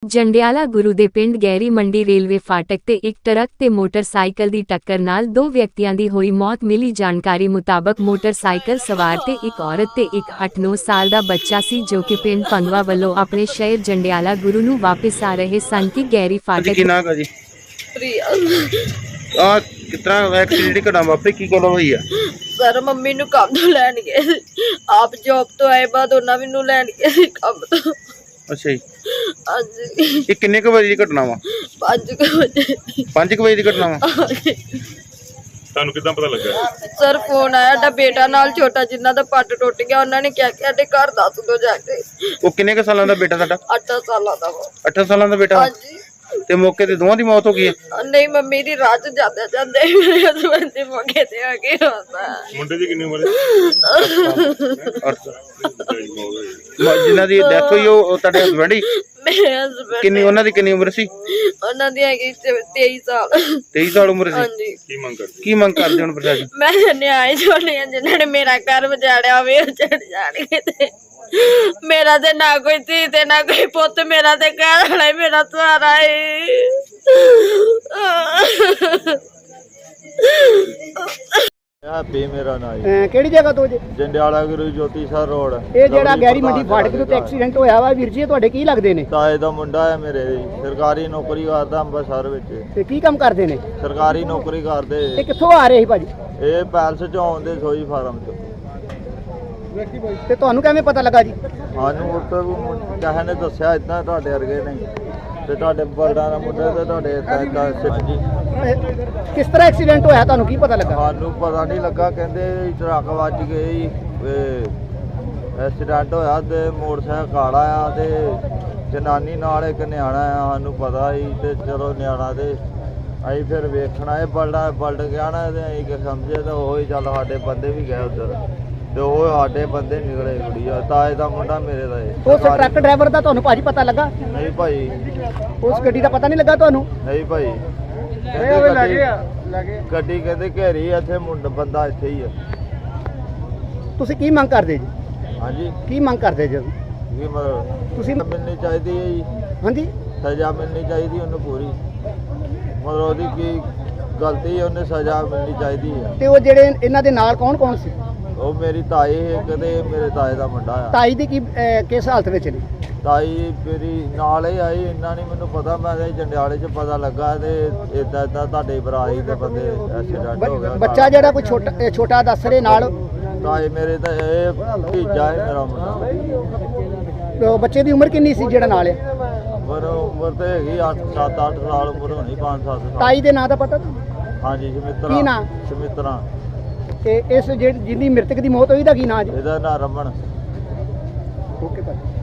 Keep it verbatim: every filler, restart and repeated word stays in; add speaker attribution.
Speaker 1: ਜੰਡਿਆਲਾ ਗੁਰੂ ਦੇ ਪਿੰਡ ਗਹਿਰੀ ਮੰਡੀ ਰੇਲਵੇ ਫਾਟਕ ਤੇ ਇੱਕ ਟਰੱਕ ਤੇ ਮੋਟਰਸਾਈਕਲ ਦੀ ਟੱਕਰ ਨਾਲ ਦੋ ਵਿਅਕਤੀਆਂ ਦੀ ਹੋਈ ਮੌਤ। ਮਿਲੀ ਜਾਣਕਾਰੀ ਮੁਤਾਬਕ ਮੋਟਰਸਾਈਕਲ ਸਵਾਰ ਤੇ ਇੱਕ ਔਰਤ ਤੇ ਇੱਕ ਅੱਠ ਨੌ ਸਾਲ ਦਾ ਬੱਚਾ ਸੀ ਜੋ ਕਿ ਪਿੰਡ ਪੰਗਵਾ ਵੱਲੋਂ ਆਪਣੇ ਸ਼ਹਿਰ ਜੰਡਿਆਲਾ ਗੁਰੂ ਨੂੰ ਵਾਪਸ ਆ ਰਹੇ ਸਨ ਕਿ ਗਹਿਰੀ ਫਾਟਕ
Speaker 2: ਕੀ ਨਾਮ ਹੈ ਜੀ? ਪ੍ਰਿਆ। ਆ ਕਿਤਨਾ ਐਕਸੀਡੈਂਟ ਘਟਨਾ ਵਾਪਰੀ, ਕੀ ਗੱਲ ਹੋਈ ਆ?
Speaker 3: ਸਰ ਮੰਮੀ ਨੂੰ ਕੰਮ ਤੋਂ ਲੈਣ ਗਏ ਸੀ, ਆਪ ਜੌਬ ਤੋਂ ਆਏ ਬਾਅਦ ਉਹਨਾਂ ਮੈਨੂੰ ਲੈਣ ਗਏ ਸੀ ਕੰਮ ਤੋਂ।
Speaker 2: ਅੱਛਾ ਜੀ।
Speaker 3: ਹਾਂਜੀ।
Speaker 2: ਇਹ ਕਿੰਨੇ ਕੁ ਵਜੇ ਦੀ ਘਟਨਾ ਵਾ?
Speaker 3: ਪੰਜ ਕੁ ਵਜੇ।
Speaker 2: ਪੰਜ ਕੁ ਵਜੇ ਦੀ ਘਟਨਾ ਵਾ?
Speaker 4: ਤੁਹਾਨੂੰ ਕਿੱਦਾਂ ਪਤਾ ਲੱਗਾ?
Speaker 3: ਸਰ ਫੋਨ ਆਇਆ, ਸਾਡਾ ਬੇਟਾ ਨਾਲ ਛੋਟਾ ਜਿੰਨਾ ਦਾ ਪੱਟ ਟੁੱਟ ਗਿਆ, ਉਹਨਾਂ ਨੇ ਕਿਹਾ ਕਿ ਸਾਡੇ ਘਰ ਦੱਸ ਦੋ ਜਾ ਕੇ।
Speaker 2: ਉਹ ਕਿੰਨੇ ਕੁ ਸਾਲਾਂ ਦਾ ਬੇਟਾ ਤੁਹਾਡਾ?
Speaker 3: ਅੱਠ ਸਾਲਾਂ ਦਾ ਵਾ।
Speaker 2: ਅੱਠ ਸਾਲਾਂ ਦਾ ਬੇਟਾ?
Speaker 3: ਹਾਂਜੀ।
Speaker 2: ਤੇ ਮੌਕੇ ਤੇ ਦੋਵਾਂ ਦੀ ਮੌਤ ਹੋ ਗਈ ਹੈ?
Speaker 3: ਨਹੀਂ, ਮੰਮੀ ਦੀ ਰਾਤ ਜਾਂਦੇ ਜਾਂਦੇ ਮੇਰੇ ਹਸਬੰਦ ਦੇ ਮੌਕੇ ਤੇ ਆ ਕੇ ਹੁੰਦਾ।
Speaker 4: ਮੁੰਡੇ ਦੀ ਕਿੰਨੀ ਉਮਰ ਹੈ?
Speaker 2: ਜਿਨ੍ਹਾਂ ਦੀ ਡੈਥ ਹੋਈ ਉਹ ਤੁਹਾਡੇ ਹਸਬੰਡ ਹੀ?
Speaker 3: ਮੇਰੇ ਹਸਬੰਦ।
Speaker 2: ਕਿੰਨੀ ਉਹਨਾਂ ਦੀ ਕਿੰਨੀ ਉਮਰ ਸੀ?
Speaker 3: ਉਹਨਾਂ ਦੀ ਹੈਗੀ ਤੇਈ ਸਾਲ।
Speaker 2: ਤੇਈ ਸਾਲ ਉਮਰ ਸੀ?
Speaker 3: ਹਾਂਜੀ।
Speaker 4: ਕੀ ਮੰਗ ਕਰਦੇ?
Speaker 2: ਕੀ ਮੰਗ ਕਰਦੇ ਹੁਣ ਪ੍ਰਸ਼ਾਸਨ?
Speaker 3: ਮੈਂ ਨਿਆਏ ਛੋੜੇ ਆ ਜਿਨ੍ਹਾਂ ਨੇ ਮੇਰਾ ਘਰ ਵਜਾੜਿਆ ਹੋਵੇ, ਉਹ ਚੜ ਜਾਣਗੇ ਤੇ ਮੇਰਾ ਤੇ ਨਾ ਕੋਈ ਧੀ ਤੇ ਨਾ ਕੋਈ ਪੁੱਤ, ਮੇਰਾ ਤੇ ਘਰ ਵਾਲਾ ਹੀ ਮੇਰਾ ਸਹਾਰਾ ਹੈ।
Speaker 5: ਹੈਪੀ ਮੇਰਾ ਨਾਮ ਹੈ।
Speaker 6: ਕਿਹੜੀ ਜਗ੍ਹਾ ਤੋਂ ਜੀ?
Speaker 5: Jandiala Guru Jyotisar road.
Speaker 6: ਇਹ ਜਿਹੜਾ ਗਹਿਰੀ ਮੰਡੀ ਫਾਟਕ ਦੇ ਉੱਤੇ ਐਕਸੀਡੈਂਟ ਹੋਇਆ ਵਾ ਵੀਰ ਜੀ, ਤੁਹਾਡੇ ਕੀ ਲੱਗਦੇ ਨੇ?
Speaker 5: ਤਾਏ ਦਾ ਮੁੰਡਾ ਹੈ ਮੇਰੇ, ਸਰਕਾਰੀ ਨੌਕਰੀ ਕਰਦਾ ਅੰਮ੍ਰਿਤਸਰ ਵਿੱਚ।
Speaker 6: ਤੇ ਕੀ ਕੰਮ ਕਰਦੇ ਨੇ?
Speaker 5: ਸਰਕਾਰੀ ਨੌਕਰੀ ਕਰਦੇ।
Speaker 6: ਇਹ ਕਿੱਥੋਂ ਆ ਰਹੇ ਸੀ ਭਾਜੀ?
Speaker 5: ਇਹ ਪੈਲਸ ਚੋਂ ਆਉਂਦੇ ਸੋਈ ਫਾਰਮ ਚ।
Speaker 6: ਤੇ ਤੁਹਾਨੂੰ ਕਿਵੇਂ ਪਤਾ ਲੱਗਾ ਜੀ?
Speaker 5: ਸਾਨੂੰ ਉੱਥੇ ਕਿਸੇ ਨੇ ਦੱਸਿਆ ਇਦਾਂ ਤੁਹਾਡੇ ਵਰਗੇ ਨਹੀਂ ਤੇ ਤੁਹਾਡੇ ਬਲਦਾਂ ਦਾ ਮੁੰਡਾ ਤੇ ਤੁਹਾਡੇ ਏਦਾਂ ਹਾਂਜੀ।
Speaker 6: ਇਹ ਕਿਸ ਤਰ੍ਹਾਂ ਐਕਸੀਡੈਂਟ ਹੋਇਆ, ਤੁਹਾਨੂੰ ਕੀ ਪਤਾ ਲੱਗਾ?
Speaker 5: ਸਾਨੂੰ ਪਤਾ ਨਹੀਂ ਲੱਗਾ, ਕਹਿੰਦੇ ਟਰੱਕ ਵੱਜ ਗਈ, ਐਕਸੀਡੈਂਟ ਹੋਇਆ ਤੇ ਮੋਟਰਸਾਈਕਲ ਕਾਲਾ ਆ ਤੇ ਜਨਾਨੀ ਨਾਲ ਇੱਕ ਨਿਆਣਾ ਆ। ਸਾਨੂੰ ਪਤਾ ਸੀ ਤੇ ਚਲੋ ਨਿਆਣਾ ਤੇ ਅਸੀਂ ਫਿਰ ਵੇਖਣਾ ਇਹ ਬਲਡਾ ਬਲਡ ਗਿਆ ਨਾ ਤੇ ਅਸੀਂ ਕਿ ਸਮਝੇ ਤਾਂ ਉਹ ਹੀ ਚੱਲ ਸਾਡੇ ਬੰਦੇ ਵੀ ਗਏ ਉੱਧਰ ਤੇ ਉਹ ਸਾਡੇ ਬੰਦੇ ਨਿਕਲੇ। ਕੁੜੀਆ ਤਾਏ ਦਾ ਮੁੰਡਾ ਮੇਰੇ ਦਾ ਇਹ।
Speaker 6: ਉਸ ਟਰੱਕ ਡਰਾਈਵਰ ਦਾ ਤੁਹਾਨੂੰ ਭਾਜੀ ਪਤਾ ਲੱਗਾ?
Speaker 5: ਨਹੀਂ ਭਾਈ।
Speaker 6: ਉਸ ਗੱਡੀ ਦਾ ਪਤਾ ਨਹੀਂ ਲੱਗਾ ਤੁਹਾਨੂੰ?
Speaker 5: ਨਹੀਂ ਭਾਈ। ਕਹਿੰਦੇ ਗੱਡੀ ਗੱਡੀ ਕਹਿੰਦੇ ਘੇਰੀ ਇੱਥੇ ਮੁੰਡਾ ਬੰਦਾ ਇੱਥੇ ਹੀ ਆ।
Speaker 6: ਤੁਸੀਂ ਕੀ ਮੰਗ ਕਰਦੇ ਜੀ?
Speaker 5: ਹਾਂਜੀ।
Speaker 6: ਕੀ ਮੰਗ ਕਰਦੇ ਜੀ
Speaker 5: ਕੀ ਮਤਲਬ?
Speaker 6: ਤੁਸੀਂ
Speaker 5: ਮਿਲਣੀ ਚਾਹੀਦੀ ਹੈ ਜੀ।
Speaker 6: ਹਾਂਜੀ।
Speaker 5: ਸਜ਼ਾ ਮਿਲਣੀ ਚਾਹੀਦੀ ਉਹਨੂੰ ਪੂਰੀ, ਮਤਲਬ ਉਹਦੀ ਕੀ ਗਲਤੀ ਹੈ, ਉਹਨੇ ਸਜ਼ਾ ਮਿਲਣੀ ਚਾਹੀਦੀ ਹੈ।
Speaker 6: ਤੇ ਉਹ ਜਿਹੜੇ ਇਹਨਾਂ ਦੇ ਨਾਲ ਕੌਣ ਕੌਣ ਸੀ?
Speaker 5: ਉਹ ਮੇਰੀ ਤਾਈ ਹੈ, ਕਦੇ ਮੇਰੇ ਤਾਏ ਦਾ ਮੁੰਡਾ ਆ।
Speaker 6: ਤਾਈ ਦੀ ਕੀ ਕਿਸ ਹਾਲਤ ਵਿੱਚ ਨੇ?
Speaker 5: ਤਾਈ ਮੇਰੀ ਨਾਲ ਹੀ ਆਈ, ਇੰਨਾ ਨਹੀਂ ਮੈਨੂੰ ਪਤਾ। ਮੈਂ ਤਾਂ ਜੰਡਿਆਲੇ 'ਚ ਪਤਾ ਲੱਗਾ ਤੇ ਇਦਾਂ ਇਦਾਂ ਤੁਹਾਡੇ ਬਰਾਈ ਦੇ ਬੰਦੇ ਐਕਸੀਡੈਂਟ ਹੋ ਗਿਆ।
Speaker 6: ਬੱਚਾ ਜਿਹੜਾ ਕੋਈ ਛੋਟਾ ਛੋਟਾ ਦੱਸ ਰਹੇ ਨਾਲ?
Speaker 5: ਤਾਏ ਮੇਰੇ ਤਾਂ ਇਹ ਭਤੀਜਾ ਹੈ ਮੇਰਾ ਮੁੰਡਾ।
Speaker 6: ਬੱਚੇ ਦੀ ਉਮਰ ਕਿੰਨੀ ਸੀ ਜਿਹੜਾ ਨਾਲ ਆ?
Speaker 5: ਪਰ ਉਮਰ ਤੇ ਹੈਗੀ ਅੱਠ ਸੱਤ ਅੱਠ ਸਾਲ ਉਮਰ ਹੋਣੀ, ਪੰਜ ਸੱਤ ਸਾਲ।
Speaker 6: ਤਾਈ ਦੇ ਨਾਂ ਦਾ ਪਤਾ?
Speaker 5: ਹਾਂਜੀ ਸਮਿਤਰਾ।
Speaker 6: ਕੀ ਨਾਂ?
Speaker 5: ਸਮਿਤਰਾ।
Speaker 6: ਤੇ ਇਸ ਜਿਹੜੀ ਜਿਹਦੀ ਮ੍ਰਿਤਕ ਦੀ ਮੌਤ ਹੋਈ ਦਾ ਕੀ ਨਾਂ ਜੀ?
Speaker 5: ਇਹਦਾ ਨਾਂ ਰਮਨ।
Speaker 6: ਓਕੇ ਭਾਈ।